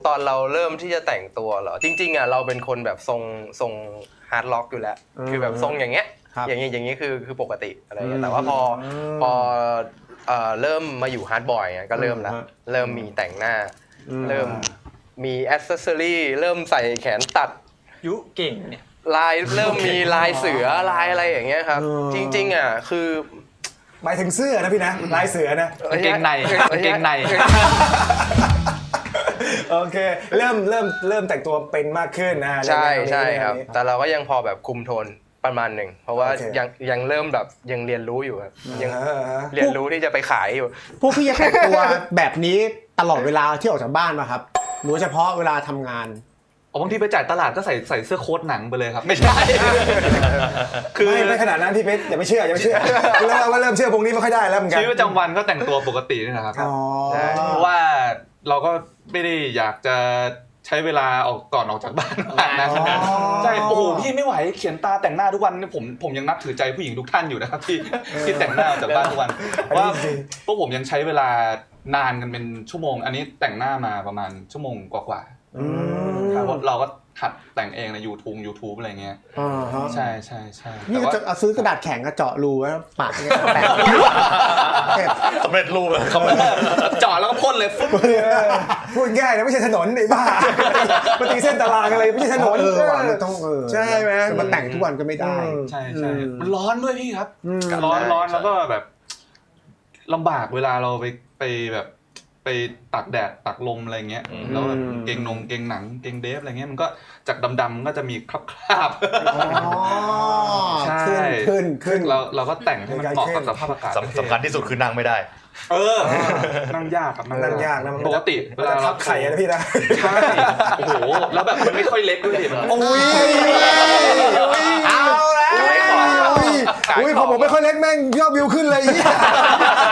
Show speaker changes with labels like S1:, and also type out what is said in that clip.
S1: ตอนเราเริ่มที่จะแต่งตัวเหรอจริงๆอ่ะเราเป็นคนแบบทรงฮาร์ดล็อกอยู่แล้วคือแบบทรงอย่างเงี้ยอย่างนี้คือปกติอะไรเงี้ยแต่ว่าพอเริ่มมาอยู่ฮาร์ดบอยก็เริ่มแล้วเริ่มมีแต่งหน้าเริ่มมีแอคเซสซอรี่เริ่มใส่แขนตัด
S2: ยุเก่งเนี่ย
S1: ลายเริ่มมีลายเสือลายอะไรอย่างเงี้ยครับจริงๆอ่ะคือ
S3: หมายถึงเสื้อนะพี่นะลายเสือนะ
S2: กางเกงใน
S3: โอเคเริ่มแต่งตัวเป็นมากขึ้นนะ
S1: ใช่ครับแต่เราก็ยังพอแบบคุมโทนประมาณหนึ่งเพราะว่ายังเริ่มแบบยังเรียนรู้อยู่ครับยังเรียนรู้ที่จะไปขายอยู่
S4: พวกพี่จะแต่งตัวแบบนี้ตลอดเวลาที่ออกจากบ้านป่ะครับหรือเฉพาะเวลาทำงาน
S2: บางทีไปจ่ายตลาดก็ใส่เสื้อโค้ทหนังไปเลยครับไม่ใช่
S3: คือไม่ขนาดนั้นพี่เพชรอย่าไปเชื่อแล้วว่าเริ่มเชื่อพวกนี้ไม่ค่อยได้แล้วเหมือนกัน
S2: ชีวิตประจำวันก็แต่งตัวปกตินี่นะครับเพราะว่าเราก็ไม่ได้อยากจะใช้เวลาก่อนออกจากบ้านนะใช่โอ้โหพี่ไม่ไหวเขียนตาแต่งหน้าทุกวันนี่ผมยังนับถือใจผู้หญิงทุกท่านอยู่นะครับที่แต่งหน้าออกจากบ้านทุกวันว่าพวกผมยังใช้เวลานานกันเป็นชั่วโมงอันนี้แต่งหน้ามาประมาณชั่วโมงกว่าครับเราก็หัดแต่งเองใน YouTube อะไรเงี้ยใช่
S4: นี่ก็จะซื้อกระดาษแข็งก็เจาะรูไว้ปากเนี่ยแปะ
S5: สำเร็จรูปเลย
S2: เจาะแล้วก็พ่นเลย
S3: พูดง่ายนะไม่ใช่ถนนไอ้บ้าปฏิเส้นตารางอะไรไม่ใช่ถนน
S4: ต้อง
S3: ใช่ไหม
S4: มันแต่งทุกวันก็ไม่ได้
S2: ใช่มันร้อนด้วยพี่ครับร้อนแล้วก็แบบลำบากเวลาเราไปแบบไปตากแดดตากลมอะไรเงี้ยแล้วแบบเกงหนังเกงเดฟอะไรเงี้ยมันก็จากดำๆก็จะมีคราบใช่
S4: ขึ้น
S2: เราก็แต่งให้มันเหมาะกับสภาพอากาศ
S5: สำคัญที่สุดคือนั่งไม่ได้
S2: นั่งยากครับ
S3: นั่งยากนะ
S2: ปกติเวลา
S3: ทับไข่นะพี่นะ
S2: ใช่โอ้โหแล้วแบบมันไม่ค่อยเล็กด้วย
S3: โอ้ยเอาแล้วพอผมไม่ค่อยเล็กแม่งยอดวิวขึ้นเลย